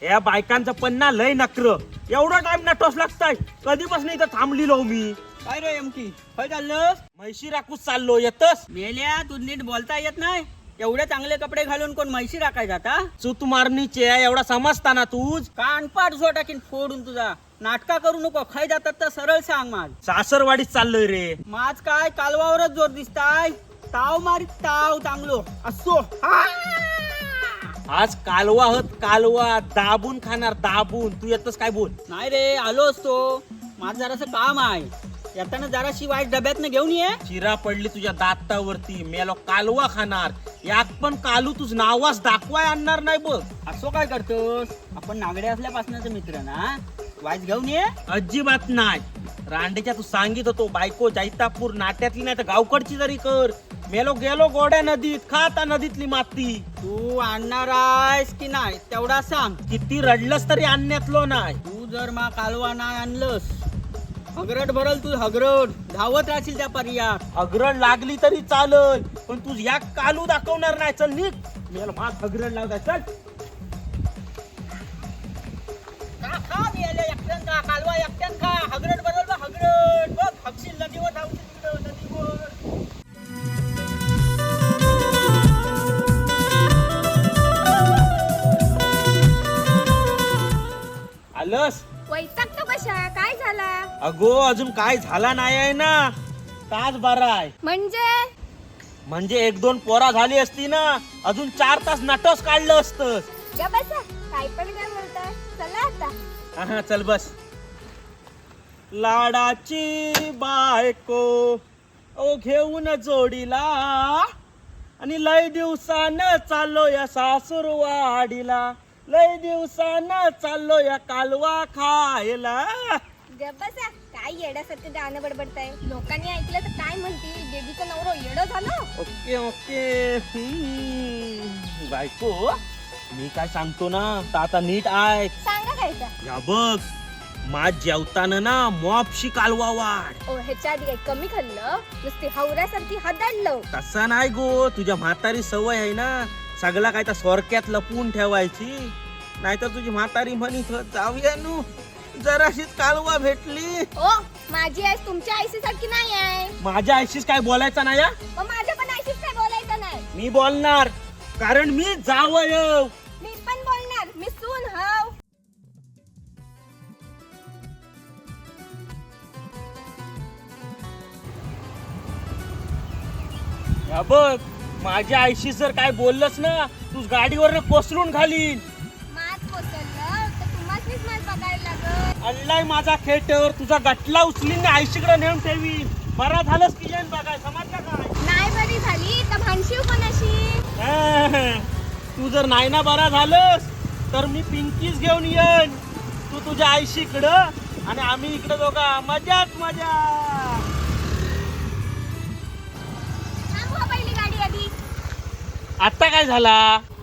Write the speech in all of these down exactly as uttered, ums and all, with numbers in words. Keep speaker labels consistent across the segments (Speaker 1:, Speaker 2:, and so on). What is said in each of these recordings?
Speaker 1: या बायकांचं पन्ना लय नकर एवढा टाइम नटोस लागताय कधीपासून इथं थांबलीलो मी.
Speaker 2: काय रे एमकी काय चाललं?
Speaker 1: म्हैशी राखूच चाललो येतस.
Speaker 2: मेल्या तू नीट बोलता येत नाही. एवढे चांगले कपडे घालून कोण म्हैशी राखाय जाता?
Speaker 1: चूत मारणीचे एवढा समजताना तूच
Speaker 2: कानपाट झो टाकीन फोडून तुझा. नाटका करू नको. खाय जातात तर सरळ सांग माझ.
Speaker 1: सासरवाडीत चाललोय रे.
Speaker 2: माझ काय कालवावरच जोर दिसताय. ताव मारीत ताव चांगलो असो.
Speaker 1: आज कालवा हत कालवा दाबून खाणार दाबून. तू येतस काय बोल.
Speaker 2: नाही रे आलो असतो. माझं जरासं काम आहे. येताना जराशी वाईट डब्यातनं घेऊन ये.
Speaker 1: चिरा पडली तुझ्या दातावरती मेलो कालवा खाणार. यात पण कालू तुझ नावास दाखवाय आणणार नाही बघ.
Speaker 2: असो काय करतोस? आपण नागडे असल्यापासूनच मित्र ना. वाईट घेऊन ये.
Speaker 1: अजिबात नाही. रांडेच्या तू सांगित होतो बायको जैतापूर नाट्यातली नाही तर गावकडची जरी कर. मेलो गेलो गोड्या नदीत खाता नदीतली माती.
Speaker 2: तू आणणार आहेस की नाही तेवढा सांग.
Speaker 1: किती रडलंस तरी आणण्यातलो नाही.
Speaker 2: तू जर मा कालवा नाही आणलंस हगरट भरल तू हगरट. धावत राहशील त्या पर्यात.
Speaker 1: हगरड लागली तरी चालल पण तू या कालू दाखवणार नाही. चल निघ. मेलो माझ हगरड लावताय चल.
Speaker 2: का खा मेले एकट्यान का कालवा एकट्यान खा. हगरट भरल बा हगरट. बघ हगशील नदीवर धावशील तिकडं नदीवर.
Speaker 1: आलस
Speaker 3: वैतागतो कशा? काय झाला?
Speaker 1: अगो अजून काय झाला नाही आहे ना. तास बरा आहे
Speaker 3: म्हणजे
Speaker 1: म्हणजे एक दोन पोरा झाली असती ना अजून चार तास नटस काढलं असतं.
Speaker 3: ग बसा. काय पण काय बोलताय. चला आता.
Speaker 1: हा चल बस. लाडाची बायको ओ घेऊन जोडीला आणि लय दिवसानं चाललो या सासूरवाडीला. लय दिवसानं चाललो या कालवा खायला.
Speaker 3: ग बसा. काय येड्यासारखं गाणं बडबडताय. लोकांनी ऐकलं तर काय म्हणतील. बेबीचं नवरो येडं झालं.
Speaker 1: ओके ओके हम्म. बायको मी काय सांगतो ना तर आता नीट आहे.
Speaker 3: सांगा खायचा.
Speaker 1: या बघ माझ जेवताना ना मॉपशी कालवा वाढ.
Speaker 3: ओ ह्याच्या आधी काही कमी खाल्लं. नुसती हवऱ्यासारखी हदाडलं.
Speaker 1: तसा नाही गो. तुझ्या म्हातारी सवय आहे ना सगळा काय त्या सोरक्यात लपवून ठेवायची. नाहीतर तुझी म्हातारी म्हणित जाऊया नू जराशीच कालवा भेटली.
Speaker 3: ओ माझी आई तुमच्या आईशी सारखी नाही आहे.
Speaker 1: माझ्या आईशीच काय बोलायचं नाही.
Speaker 3: मग माझ्या पण आईशीच काय बोलायचं नाही.
Speaker 1: मी बोलणार कारण मी जावय.
Speaker 3: मी पण बोलणार. मी सून हाव.
Speaker 1: या बघ माझ्या आईशी जर काय बोललंस ना तू गाडीवर कोसळून घालीन.
Speaker 3: मात कोसळलं तर तुम्हासनीच मात बघायला लागत.
Speaker 1: अल्लाय माझा खेटर तुझा गटला उचलीन आईशीकडे नेऊन ठेवीन. बरा झालंस की जेन बघाय समजलं काय.
Speaker 3: नाही बरी झाली तर भानशीव कोणाशी.
Speaker 1: तू जर नाही ना बरा झालंस तर मी पिंकीच घेऊन येईन. तू तुझ्या आईशीकडं आणि आम्ही इकडे दोघा मजाच मजा.
Speaker 3: थांबवा पहिली गाडी आधी.
Speaker 1: आता काय झाला.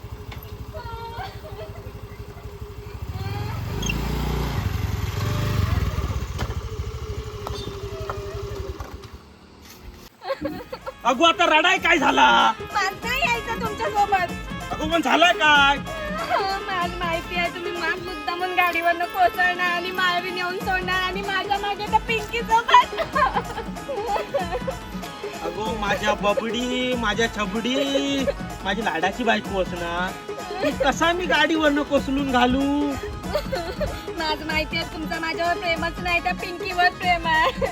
Speaker 1: अगो आता रडाय काय झाला.
Speaker 3: मला नाही यायचं तुमच्या सोबत.
Speaker 1: अगो पण झालाय काय.
Speaker 3: मला माहिती आहे तुम्ही माग मुद्दामून गाडीवरनं कोसळणार आणि माळवी नेऊन सोडणार आणि माझ्या मागे त्या पिंकी सोबत.
Speaker 1: अगो माझ्या बबडी माझ्या छबडी माझी लाडाची बायको असणार. ती कसा मी गाडीवरनं कोसळून घालू.
Speaker 3: माझं माहिती आहे तुमचं माझ्यावर प्रेमच नाही त्या पिंकीवर प्रेम आहे.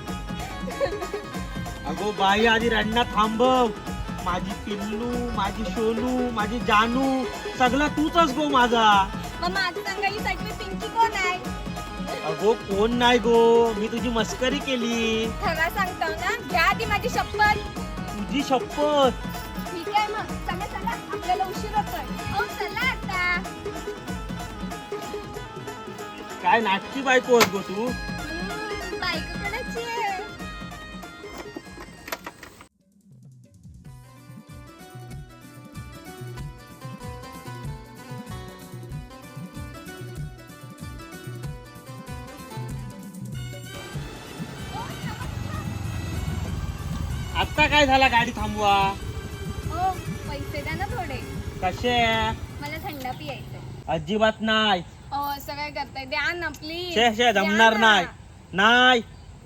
Speaker 1: अगो बाई आधी रडणं थांबव. माझी पिल्लू माझी शोनू माझी जानू सगळा तूच गो माझा.
Speaker 3: मग माझं सांगायची मी पिंकी कोण आहे.
Speaker 1: अगो कोण नाही गो. मी तुझी मस्करी केली.
Speaker 3: खरा सांगतो ना. घ्या आधी माझी शपथ.
Speaker 1: तुझी शपथ.
Speaker 3: ठीक आहे मग चला चला आपल्याला उशीर होतोय. ओ चला आता.
Speaker 1: काय नाटकी बायको आहेस गो तू.
Speaker 3: हम्म, बायको कोणाची आहे.
Speaker 1: आता काय झाला गाडी थांबवा.
Speaker 3: ओ पैसे द्या ना थोडे.
Speaker 1: कसे
Speaker 3: मला थंड पियायचं.
Speaker 1: अजिबात नाही.
Speaker 3: अहो असं काय करताय, द्या ना प्लीज.
Speaker 1: शे शे जमणार नाही नाही.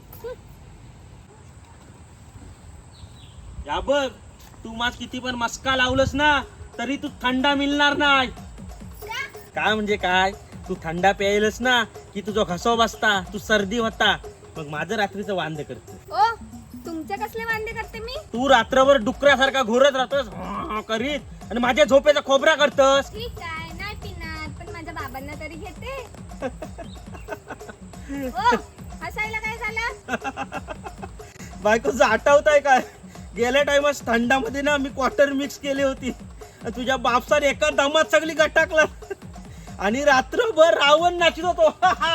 Speaker 1: या बघ, तू माझ किती पण मस्का लावलंस ना तरी तू थंडा मिळणार नाही. काय म्हणजे काय, तू थंडा प्यायलस ना की तुझा घसा बसता, तू सर्दी होता, मग माझं रात्रीचं वांद करतो.
Speaker 3: ओ तुमचे कसले वांदे करते मी?
Speaker 1: तू रात्रभर डुकऱ्यासारखा घोरत राहतोस करीत आणि माझ्या झोपेचा खोबरा करतस.
Speaker 3: ठीक आहे, नाही पिणार, पण माझ्या बाबांना तरी घेते. ओ हसायला काय झालं?
Speaker 1: बायकोचं आठवतंय काय, गेल्या टाइमस थंडामध्ये ना मी क्वार्टर मिक्स केली होती, तुझ्या बापसाने एका दमात सगळी गटाकला आणि रात्रभर रावण नाचत होतो.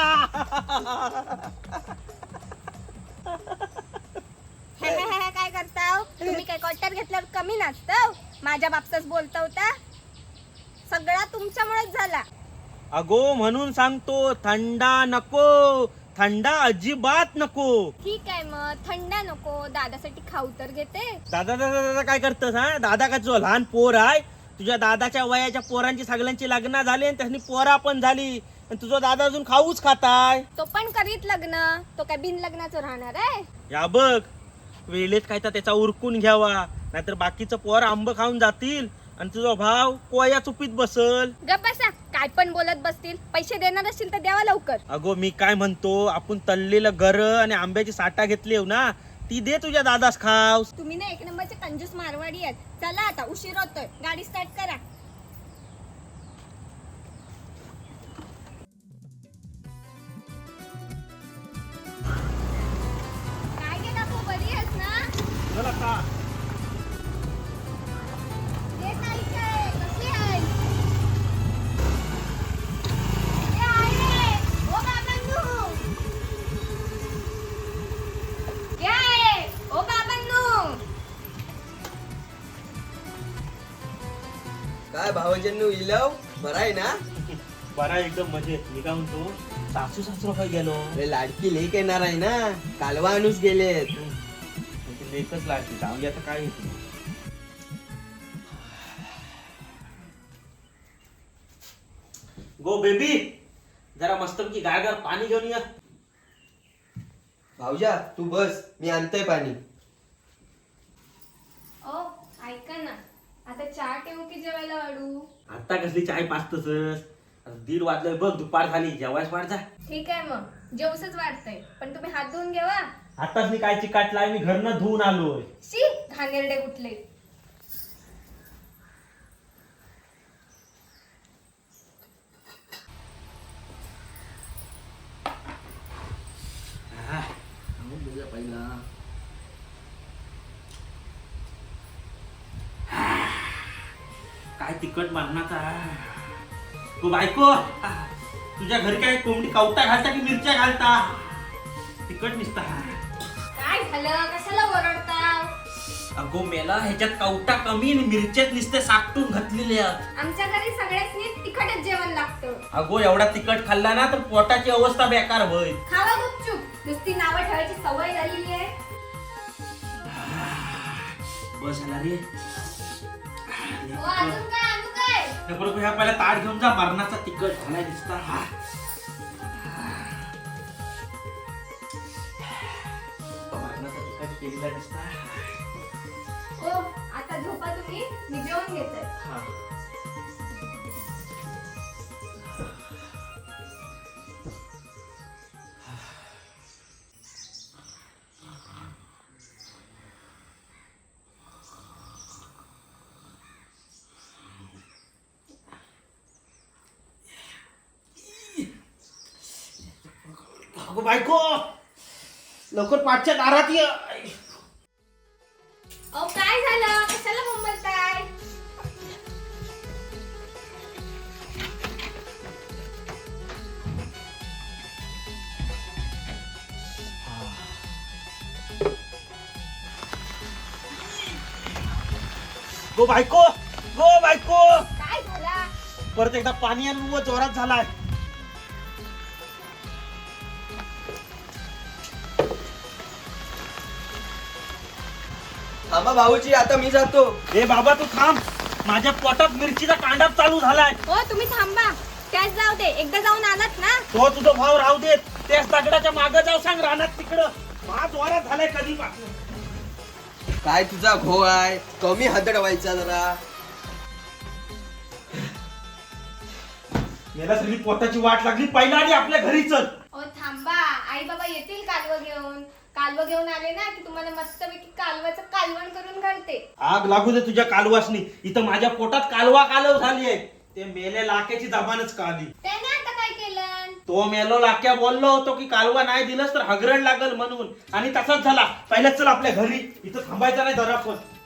Speaker 3: काय करताव तुम्ही? काय क्वार्टर घेतल्यावर कमी नाचताव? माझ्या बापसाच बोलता होता, सगळा तुमच्यामुळेच झाला.
Speaker 1: अगो म्हणून सांगतो, थंडा नको, थंडा अजिबात नको.
Speaker 3: ठीक आहे मग, थंडा नको, दादासाठी खाऊ तर घेते.
Speaker 1: दादा दादा दादा काय करतस? हा दादा का तुझा लहान पोर आहे? तुझ्या दादाच्या वयाच्या पोरांची सगळ्यांची लग्न झाली आणि त्यांनी पोरा पण झाली, आणि तुझा दादा अजून खाऊच खाताय.
Speaker 3: तो पण करीत लग्न, तो काय बिन लग्नाचं राहणार आहे?
Speaker 1: या बघ, वेळेत काय तर त्याचा उरकून घ्यावा, नाहीतर बाकीचं पोर आंब खाऊन जातील आणि तुझा भाव कोया चुपीत बसल.
Speaker 3: गप बसा, काय पण बोलत बसतील. पैसे देणार असतील तर द्यावा लवकर.
Speaker 1: अगो मी काय म्हणतो, आपण तळलेलं गर आणि आंब्याची साठा घेतली हो ना, ती दे तुझ्या दादास खाव.
Speaker 3: तुम्ही ना एक नंबरचे कंजूस मारवाडी आहेत. चला आता, उशीर होतोय, गाडी स्टार्ट करा. काय गे काकू, बरी आहेस ना?
Speaker 1: चला का
Speaker 3: ये ताई काय, कशी आहेस? ये आहे, ओ बाबांनो. ये आहे, ओ बाबांनो.
Speaker 4: काय भावजन्नू इलव बरं आहे ना?
Speaker 1: बरा एकदम मजेत. मी काय म्हणतो, सासू सासू काय गेलो?
Speaker 4: अरे लाडकी लेक येणार आहे ना, कालवा आणूस गेलेत.
Speaker 1: लेखच लागते, जाऊन आता काय होतं. गो बेबी, जरा मस्तपैकी गार पाणी घेऊन या.
Speaker 4: भाऊजा तू बस, मी आणतोय पाणी.
Speaker 3: ओ ऐका ना, आता चहा ठेवू की जेवायला वाढू?
Speaker 1: आता कसली चाय पाचतस? दीड वाजलोय बघ, दुपार झाली, जेवायच वाढ जा.
Speaker 3: ठीक आहे मग, जेवसच वाढतंय, पण तुम्ही हात धुवून घ्यावा.
Speaker 1: आताच मी काय चिकाटलाय, मी घरनं धुवून आलोय.
Speaker 3: शी घाणेरडे कुठले.
Speaker 1: काय तिखट मारणाचा. तू बायको, तुझ्या घरी काय कोंबडी कवटा घालता की मिरच्या घालता? तिखट निसता.
Speaker 3: काय झालं, कशाला ओरडता?
Speaker 1: अगो मेला, ह्याच्यात कवटा कमी आणि मिरच्यात निसते साकटून घातलेल्या.
Speaker 3: आमच्या घरी सगळ्यांनी तिखटच जेवण लागतं.
Speaker 1: अगो एवढा तिखट खाल्ला ना तर पोटाची अवस्था बेकार होईल.
Speaker 3: खावा गुपचूप, नुसती नावं ठेवायची सवय झालेली आहे.
Speaker 1: बस झाला रे.
Speaker 3: ओ, अजून काय आणू काय?
Speaker 1: बरोबर, ह्या पहिला ताट घेऊन जा, मरणाचा तिखट झालाय दिसता. हा मरणाचा तिखट केलेला दिसता.
Speaker 3: ओ आता झोपा तुम्ही, मी जेवण घेते.
Speaker 1: हा अगो बायको, लवकर पाठच्या दारात ये.
Speaker 3: ओ काय झालं, कशाला मुंबलताय?
Speaker 1: गो बायको, गो बायको,
Speaker 3: काय झाला?
Speaker 1: परत एकदा पाणी आणि व जोरात झालाय.
Speaker 4: थांबा भाऊजी, आता मी जातो.
Speaker 1: ए बाबा तू थांब, माझ्या पोटात मिरचीचा कांडाप चालू झालाय.
Speaker 3: हो तुम्ही थांबा. त्याच जाऊ दे, एकदा जाऊन आलात ना.
Speaker 1: तो तुझा भाव राहू देत, त्याच दगडाच्या मागं जाऊ सांग रानात तिकडं. माझ वारात झालाय कधी पासून.
Speaker 4: काय तुझा घो आहे, कमी हदड व्हायचा जरा.
Speaker 1: मला सगळी पोटाची वाट लागली, पहिला आणि आपल्या घरी चल.
Speaker 3: ओ थांबा, आई बाबा येतील कालवं घेऊन. कालवं घेऊन आले ना की तुम्हाला मस्तपैकी कालवाचं कालवण करून घालते.
Speaker 1: आग लागू दे तुझ्या कालवासनी. इथं माझ्या पोटात कालवा कालव झालीये. ते मेले लाक्याची जबानच काढली.
Speaker 3: त्याने आता काय केलं?
Speaker 1: तो मेलो लाक्या बोललो होतो की कालवा नाही दिलंस तर हगरण लागल म्हणून, आणि तसाच झाला. पहिल्याच चल आपल्या घरी, इथं थांबायचं नाही जरा पण.